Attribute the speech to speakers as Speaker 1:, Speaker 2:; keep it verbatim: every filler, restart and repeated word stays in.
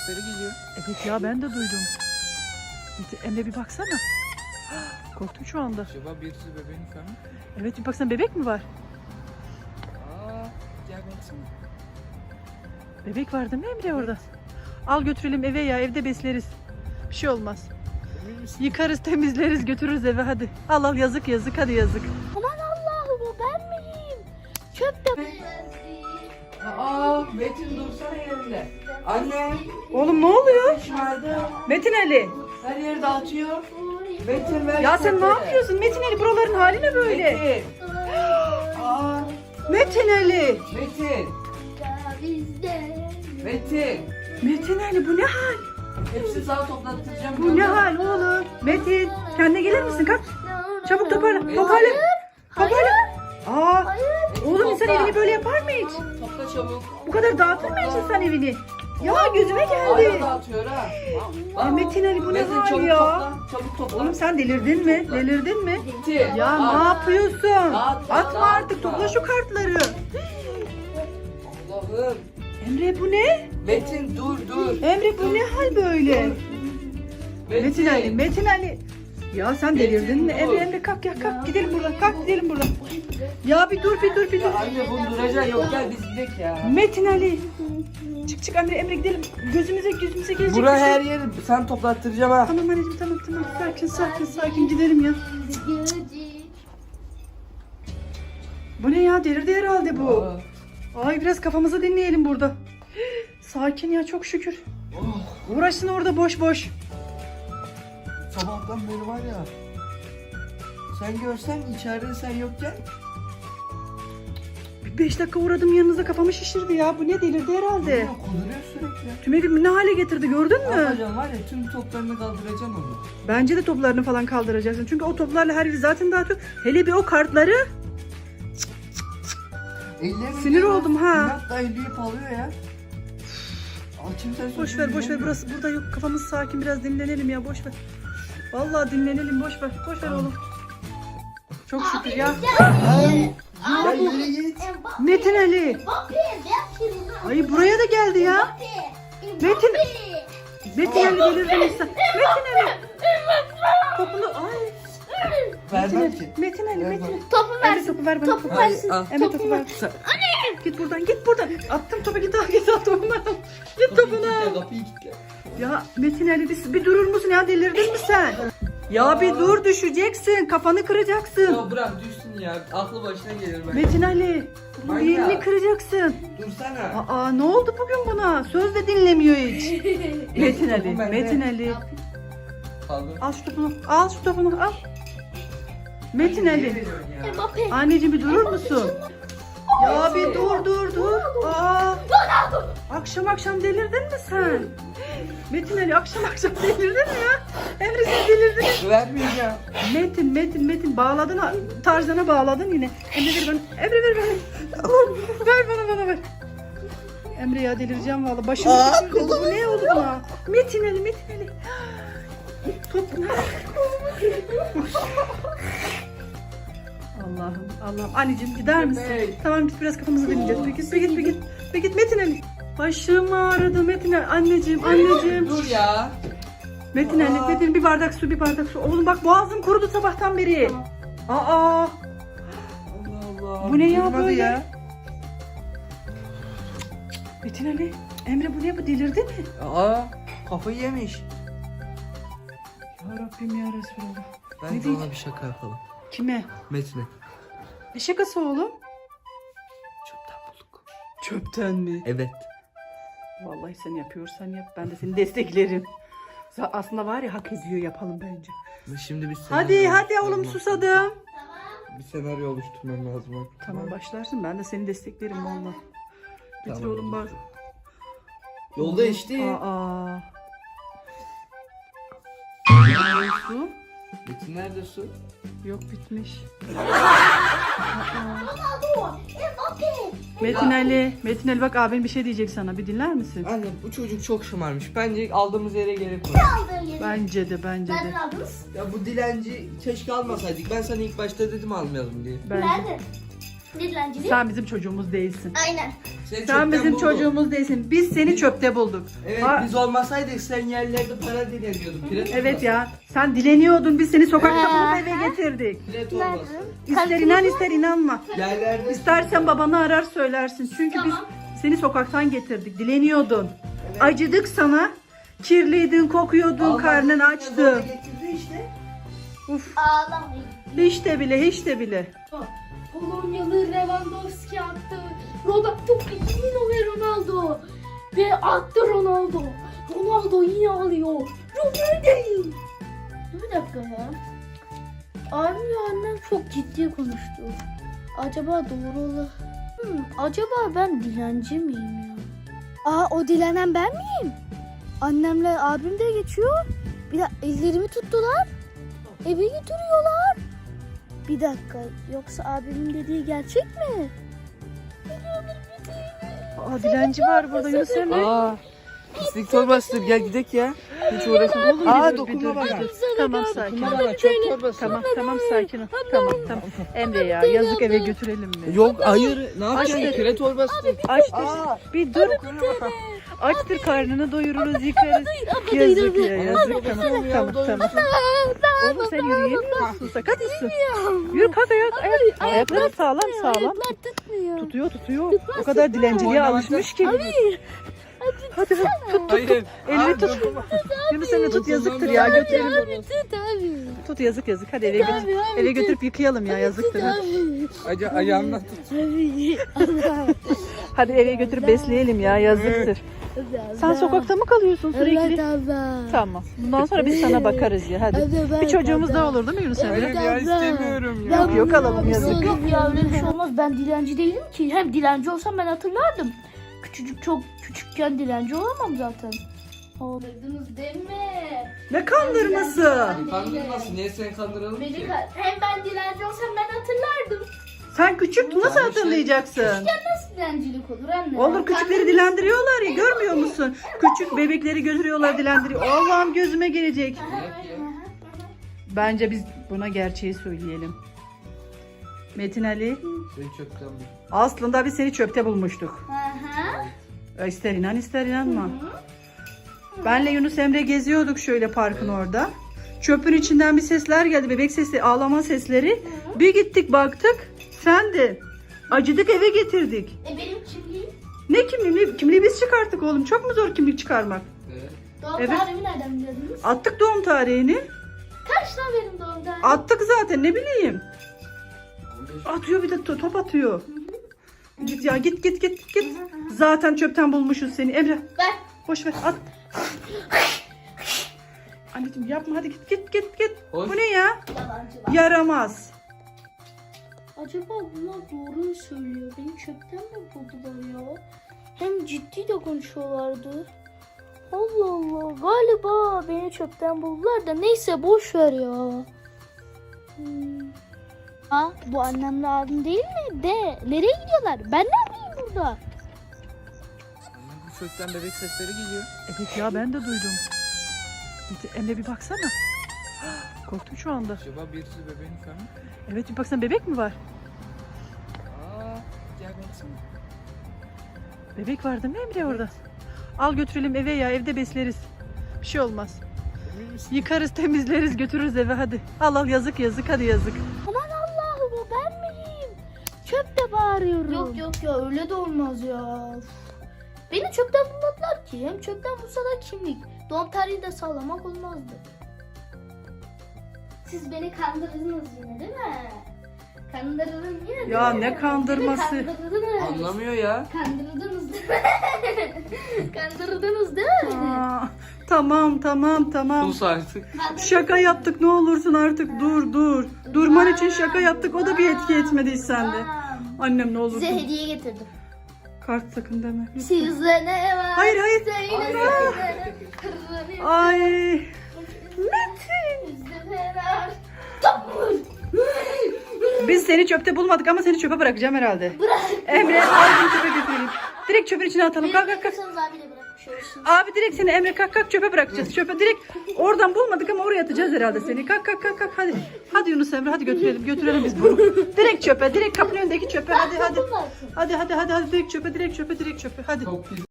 Speaker 1: sesleri geliyor.
Speaker 2: Evet ya ben de duydum. Emre bir baksana. Korktum şu anda.
Speaker 1: Acaba birisi bebeğin karnı?
Speaker 2: Evet bir baksana, bebek mi var?
Speaker 1: Aa, gel baksana.
Speaker 2: Bebek var değil mi Emre orada? Al götürelim eve ya, evde besleriz. Bir şey olmaz.
Speaker 1: Emin misin?
Speaker 2: Yıkarız, temizleriz, götürürüz eve hadi. Al al, yazık yazık, hadi yazık.
Speaker 3: Aman Allah'ım, o ben miyim? Çöpte.
Speaker 4: Aa, Metin dursana yerinde. Anne,
Speaker 2: Oğlum ne oluyor?
Speaker 4: şımardı.
Speaker 2: Metin Ali.
Speaker 4: Her yeri dağıtıyor. Metin ver.
Speaker 2: Ya sen ne
Speaker 4: çöpleri.
Speaker 2: yapıyorsun Metin Ali? Buraların hali ne böyle?
Speaker 4: Metin. Aa,
Speaker 2: Metin Ali.
Speaker 4: Metin. Metin.
Speaker 2: Metin Ali bu ne hal?
Speaker 4: Hepsini sana toplattıracağım.
Speaker 2: Bu ne hal oğlum? Metin kendine gelir misin? Kalk. Çabuk toparla. Toparla. Toparla. Aa, oğlum insan evini böyle yapar mı hiç?
Speaker 4: Topla çabuk.
Speaker 2: Bu kadar dağıtır mı hiç insan evini? Ya gözüme
Speaker 4: Hala
Speaker 2: geldi.
Speaker 4: dağıtıyor ha.
Speaker 2: Ay Metin Ali bu ne
Speaker 4: Metin,
Speaker 2: hal
Speaker 4: çabuk
Speaker 2: ya?
Speaker 4: Topla, çabuk topla.
Speaker 2: Oğlum sen delirdin mi? Delirdin mi?
Speaker 4: Metin.
Speaker 2: Ya
Speaker 4: al.
Speaker 2: ne yapıyorsun?
Speaker 4: Dağıtma,
Speaker 2: Atma artık,
Speaker 4: dağıtma.
Speaker 2: topla şu kartları.
Speaker 4: Allah'ım.
Speaker 2: Emre bu ne?
Speaker 4: Metin dur dur.
Speaker 2: Emre bu ne hal böyle? Metin Ali, Metin Ali. Ya sen delirdin mi?
Speaker 4: Metin,
Speaker 2: Emre
Speaker 4: dur.
Speaker 2: Emre kalk ya, kalk gidelim buradan, kalk gidelim buradan. Ya bir dur bir dur bir dur.
Speaker 4: Ya anne bunu duracaksın, yok gel biz gidelim ya.
Speaker 2: Metin Ali. Çık çık Emre Emre gidelim. Gözümüze gözümüze gelecek
Speaker 4: Bura
Speaker 2: bir şey.
Speaker 4: her yeri sen toplattıracağım ha.
Speaker 2: Tamam anneciğim, tamam tamam, sakin sakin sakin gidelim ya. Bu ne ya, delirdi herhalde bu.
Speaker 4: Aa.
Speaker 2: Ay biraz kafamızı dinleyelim burada. Sakin ya, çok şükür.
Speaker 4: Oh.
Speaker 2: Uğraşsın orada boş boş.
Speaker 4: Sabahtan beri var ya. Sen görsen içeride sen yokken.
Speaker 2: Bir beş dakika uğradım yanınıza, kafamı şişirdi ya. Bu ne, delirdi herhalde.
Speaker 4: Ya, kuduruyor sürekli.
Speaker 2: Tüm evimi ne hale getirdi gördün
Speaker 4: Ne
Speaker 2: mü?
Speaker 4: yapacağım var ya, tüm toplarını kaldıracaksın onu.
Speaker 2: Bence de toplarını falan kaldıracaksın. Çünkü o toplarla her yeri zaten dağıtıyor. Hele bir o kartları.
Speaker 4: Ellerim
Speaker 2: Sinir oldum ha.
Speaker 4: İnatla elleyip alıyor ya. Açım sen
Speaker 2: Boş ver boş ver, burası burada yok. Kafamız sakin, biraz dinlenelim ya, boş ver. Vallahi dinlenelim, boş ver. Boş ver oğlum. Çok şükür ya.
Speaker 4: Ya yürü git.
Speaker 2: Metin Ali. Ay buraya da geldi ya. Metin. Metin Ali delirdin sen. Metin Ali. Topunu ay. Metin
Speaker 4: Vermem
Speaker 2: Ali.
Speaker 4: ki.
Speaker 2: Metin Ali, Metin Ali.
Speaker 3: Topu
Speaker 2: Emre
Speaker 3: versin.
Speaker 2: topu ver bana.
Speaker 3: Topu
Speaker 2: Topu
Speaker 3: versin.
Speaker 4: al.
Speaker 2: Emre topu ver. Git buradan, git buradan. Attım topu, git al, git al topunu al. Git topunu al.
Speaker 4: Kapıyı kilitle.
Speaker 2: Ya Metin Ali bir, bir durur musun ya, delirdin mi sen? Ya bir dur, düşeceksin, kafanı kıracaksın.
Speaker 4: Ya bırak düşsün ya. Aklı başına gelir ben.
Speaker 2: Metin Ali, bir
Speaker 4: Manyak.
Speaker 2: yerini kıracaksın.
Speaker 4: Dursana.
Speaker 2: Aa ne oldu bugün buna? Söz de dinlemiyor hiç. Metin Ali,
Speaker 4: Topu bende.
Speaker 2: Metin Ali.
Speaker 4: Kaldır.
Speaker 2: Al şu topunu, al şu topunu, al. Metin
Speaker 4: Niye
Speaker 2: Ali,
Speaker 4: veriyorsun ya?
Speaker 3: Mbappe.
Speaker 2: anneciğim bir durur musun? Ya bir dur dur dur. Aa, akşam akşam delirdin mi sen? Metin Ali akşam akşam delirdin mi ya? Emre siz delirdiniz.
Speaker 4: Vermeyeceğim.
Speaker 2: Metin, Metin, Metin bağladın ha, Tarzan'a bağladın yine. Emre ver bana, Emre ver bana. Allah'ım, ver bana, bana ver. Emre ya delireceğim vallahi. Başımı
Speaker 4: Aa,
Speaker 2: düşürdü. Bu ne oldu buna? Metin Ali, Metin Ali. Top. Allah'ım, Allah'ım. Anneciğim gider misin?
Speaker 4: Bey.
Speaker 2: Tamam git, biraz kafamızı dinleyeceğiz. Bir git, bir git, bir git. Bir git Metin Ali. Başım ağrıdı Metin Ali. Anneciğim, anneciğim.
Speaker 4: Dur ya.
Speaker 2: Metin Ali,
Speaker 4: Aa.
Speaker 2: Metin bir bardak su, bir bardak su. Oğlum bak boğazım kurudu sabahtan beri. Aa,
Speaker 4: Allah Allah.
Speaker 2: Bu ne ya
Speaker 4: Durmadı
Speaker 2: böyle? Metin Ali, Emre bu ne, bu delirdi mi?
Speaker 4: Aa, kafayı yemiş.
Speaker 2: Ya Rabbim ya Resulallah. Ne
Speaker 4: Bence
Speaker 2: diyeceğim?
Speaker 4: ona bir şaka yapalım.
Speaker 2: Kime?
Speaker 4: Metin'e.
Speaker 2: Ne şakası oğlum?
Speaker 4: Çöpten bulduk.
Speaker 2: Çöpten mi?
Speaker 4: Evet.
Speaker 2: Vallahi sen yapıyorsan yap, ben de seni desteklerim. Za- Aslında var ya, hak ediyor, yapalım bence.
Speaker 4: Şimdi bir
Speaker 2: Hadi
Speaker 4: senaryo
Speaker 2: hadi oğlum,
Speaker 4: oluşturmam-
Speaker 2: susadım.
Speaker 4: Bir senaryo oluşturmam lazım. artık.
Speaker 2: Tamam başlarsın, ben de seni desteklerim vallahi. Getir
Speaker 4: Tamam.
Speaker 2: oğlum bari.
Speaker 4: Yolda işte.
Speaker 2: Aa. Su?
Speaker 4: Metin nerede su?
Speaker 2: Yok, bitmiş.
Speaker 3: Mbappe.
Speaker 2: Metin Ali, Metin Ali bak abin bir şey diyecek sana, bir dinler misin?
Speaker 4: Anne bu çocuk çok şımarmış. Bence aldığımız yere gerek var.
Speaker 2: Bence de, bence
Speaker 3: Ben
Speaker 2: de.
Speaker 3: de aldınız.
Speaker 4: Ya bu dilenci keşke almasaydık. Ben sana ilk başta dedim almayalım diye.
Speaker 2: Bence.
Speaker 3: Nerede? Dilencilik.
Speaker 2: Sen bizim çocuğumuz değilsin.
Speaker 3: Aynen.
Speaker 4: Seni
Speaker 2: Sen
Speaker 4: çöpten
Speaker 2: bizim
Speaker 4: buldum.
Speaker 2: çocuğumuz değilsin. Biz seni çöpte bulduk.
Speaker 4: Evet
Speaker 2: Ha,
Speaker 4: biz olmasaydık sen yerlerde para dileniyordun. Pire
Speaker 2: evet
Speaker 4: torbası.
Speaker 2: ya. Sen dileniyordun. Biz seni sokakta
Speaker 3: Ha.
Speaker 2: bulup eve getirdik.
Speaker 4: Pire torbası.
Speaker 2: İster inan ister inanma.
Speaker 4: Yerlerde.
Speaker 2: İstersen babanı arar söylersin. Çünkü
Speaker 3: Tamam.
Speaker 2: biz seni sokaktan getirdik. Dileniyordun. Acıdık sana. Kirliydin, kokuyordun,
Speaker 4: Almadın,
Speaker 2: karnın
Speaker 4: zorla
Speaker 2: açtı.
Speaker 4: getirdi işte.
Speaker 2: Uf.
Speaker 3: Ağlamayın.
Speaker 2: Hiç de bile, hiç de bile.
Speaker 3: Polonyalı Lewandowski attı. Roberto Firmino ve Ronaldo. Ve attı Ronaldo. Ronaldo yine alıyor. Ronaldo. Bir dakika ya. Abim ve annem çok ciddi konuştu. Acaba doğru olur. Hmm, acaba ben dilenci miyim ya? Aa, o dilenen ben miyim? Annemle abim de geçiyor. Bir de ellerimi tuttular. Eve götürüyorlar. Bir dakika, yoksa abimin dediği gerçek mi?
Speaker 2: Aa, dilenci var burada Yunus Emre.
Speaker 1: Aa. Pislik torbasıdır. Gel gidelim ya. Hiç uğraşma.
Speaker 2: Oğlum,
Speaker 1: Aa
Speaker 2: bir dur,
Speaker 1: dokunma
Speaker 2: bir dur,
Speaker 1: bana.
Speaker 2: bir dur. Tamam sakin.
Speaker 1: Dokunma bana. Çöp torbası.
Speaker 2: Tamam tamam sakin ol. Tamam tamam. Emre ya yazık eve götürelim mi?
Speaker 1: Yok hayır. Ne yapacaksın?
Speaker 2: Açtır.
Speaker 1: Pire torbasıdır.
Speaker 2: Açtır.
Speaker 1: Aa.
Speaker 2: Bir dur.
Speaker 1: Dokunma.
Speaker 2: Açtır karnını doyururuz yıkarız. Yazık ya yazık. Tamam tamam tamam. Oğlum sen yürüyemiyor musun? Sakat mısın? Yürü kalk ayak. ayak. Ayakların sağlam sağlam.
Speaker 3: Ayaklar tutmuyor.
Speaker 2: Tutuyor tutuyor. O kadar dilenciliğe alışmış ki. Hadi hadi tut tut
Speaker 1: Hayır.
Speaker 2: tut. Elini
Speaker 1: Aa,
Speaker 2: tut.
Speaker 1: dokunma.
Speaker 2: Yunus Emre tut yazıktır ya götürelim.
Speaker 3: Abi tut abi.
Speaker 2: Tut yazık yazık. Hadi eve götür.
Speaker 3: Abi, abi,
Speaker 2: Eve götürüp yıkayalım ya yazıktır. Hadi.
Speaker 3: Abi.
Speaker 1: Aca ayağımla tut.
Speaker 3: Abi. Allah.
Speaker 2: Hadi eve götürüp besleyelim ya yazıktır. Sen sokakta mı kalıyorsun
Speaker 3: Evet
Speaker 2: sürekli?
Speaker 3: abla.
Speaker 2: Tamam. Bundan sonra biz sana bakarız ya hadi.
Speaker 3: Evet,
Speaker 2: Bir çocuğumuz
Speaker 3: abla.
Speaker 2: daha olur değil mi Yunus Emre?
Speaker 1: Hayır ya istemiyorum ya.
Speaker 2: Yok yok alalım yazık.
Speaker 3: Yok ya öyle bir şey olmaz. Ben dilenci değilim ki. Hem dilenci olsam ben hatırlardım. Küçücük çok küçükken dilenci olamam zaten. Aldırdınız değil mi?
Speaker 2: Ne kandırması?
Speaker 4: Kandırmasın. Niye seni kandıralım
Speaker 3: Beni
Speaker 4: ki?
Speaker 3: ka- hem ben dilenci olsam ben hatırlardım.
Speaker 2: Sen küçüktün nasıl
Speaker 4: Yani şey-
Speaker 2: hatırlayacaksın?
Speaker 3: Nasıl dilencilik olur anne?
Speaker 2: Olur küçükleri dilendiriyorlar ya görmüyor musun? Küçük bebekleri götürüyorlar dilendiriyor. Allah'ım gözüme gelecek. Bence biz buna gerçeği söyleyelim. Metin Ali
Speaker 4: Seni çöpten buldum.
Speaker 2: aslında biz seni çöpte bulmuştuk.
Speaker 3: Aha.
Speaker 2: İster inan ister inanma. Benle Yunus Emre geziyorduk şöyle parkın orada. Çöpün içinden bir sesler geldi. Bebek sesi, ağlama sesleri. Bir gittik baktık. Sendin. Acıdık eve getirdik.
Speaker 3: E benim kimliğim?
Speaker 2: Ne kimliği? Kimliği biz çıkarttık oğlum. Çok mu zor kimlik çıkarmak?
Speaker 4: Evet.
Speaker 3: Doğum
Speaker 2: Evet.
Speaker 3: tarihimi nereden biliyordunuz?
Speaker 2: Attık doğum tarihini.
Speaker 3: Kaç lan benim doğum tarihim?
Speaker 2: Attık zaten ne bileyim. Atıyor bir de to- top atıyor. Git ya git git git git. Zaten çöpten bulmuşuz seni. Emre
Speaker 3: Ver.
Speaker 2: boş ver at. Anneciğim yapma hadi git git git git.
Speaker 4: Hoş.
Speaker 2: Bu ne ya?
Speaker 3: Yalancılar.
Speaker 2: Yaramaz.
Speaker 3: Acaba bunlar doğru mu söylüyor? Beni çöpten mi buldular ya? Hem ciddi de konuşuyorlardı. Allah Allah. Galiba beni çöpten buldular da neyse boş ver ya. Hmm. Ha, bu annemle abim değil mi? De nereye gidiyorlar? Ben ne yapayım burada?
Speaker 1: Bu çöpten bebek sesleri geliyor.
Speaker 2: Evet ya ben de duydum. Git, Emre bir baksana. Korktum şu anda.
Speaker 1: Acaba birisi bebeğin karnı?
Speaker 2: Evet bir baksana bebek mi var?
Speaker 1: Aa. Gel baksana.
Speaker 2: Bebek var değil mi Emre orada? Al götürelim eve ya evde besleriz. Bir şey olmaz.
Speaker 1: Emin misin?
Speaker 2: Yıkarız temizleriz götürürüz eve hadi. Al al yazık yazık hadi yazık.
Speaker 3: Aman Allah'ım o ben miyim? Çöpte bağırıyorum. Yok yok ya öyle de olmaz ya. Beni çöpten bulmadılar ki. Hem çöpten bulsa da kimlik. Doğum tarihi de sağlamak olmazdı. Siz beni kandırdınız yine değil mi? Kandırdın yine değil
Speaker 2: Ya
Speaker 3: mi?
Speaker 2: ne kandırması?
Speaker 3: Değil mi? Kandırdınız.
Speaker 4: Anlamıyor ya.
Speaker 3: Kandırdınız değil mi? Kandırdınız değil mi?
Speaker 2: Aa, tamam tamam tamam.
Speaker 4: Sus artık.
Speaker 2: Şaka yaptık ne olursun artık dur dur. Durman için şaka yaptık o da bir etki etmedi hiç sende.
Speaker 3: Tamam.
Speaker 2: Annem ne
Speaker 3: Size
Speaker 2: olursun.
Speaker 3: hediye getirdim.
Speaker 2: Kart sakın deme.
Speaker 3: Sizde ne var?
Speaker 2: Hayır, hayır.
Speaker 3: Söyle
Speaker 2: Allah.
Speaker 3: söyle. Kırılır.
Speaker 2: Ay.
Speaker 3: Sizde ne var?
Speaker 2: Biz seni çöpte bulmadık ama seni çöpe bırakacağım herhalde. Emre al bunu çöpe götürelim. Direkt çöpün içine atalım. Kalk kalk kalk.
Speaker 3: Bırakırsanız abiyle bırakmış olursunuz.
Speaker 2: Abi direkt seni Emre kalk kalk çöpe bırakacağız. Çöpe direkt oradan bulmadık ama oraya atacağız herhalde seni. Kalk kalk kalk kalk hadi. Hadi Yunus Emre hadi götürelim götürelim biz bunu. Direkt çöpe direkt kapının önündeki çöpe hadi hadi. Hadi hadi hadi hadi direkt çöpe direkt çöpe direkt çöpe hadi.
Speaker 4: Çok güzel.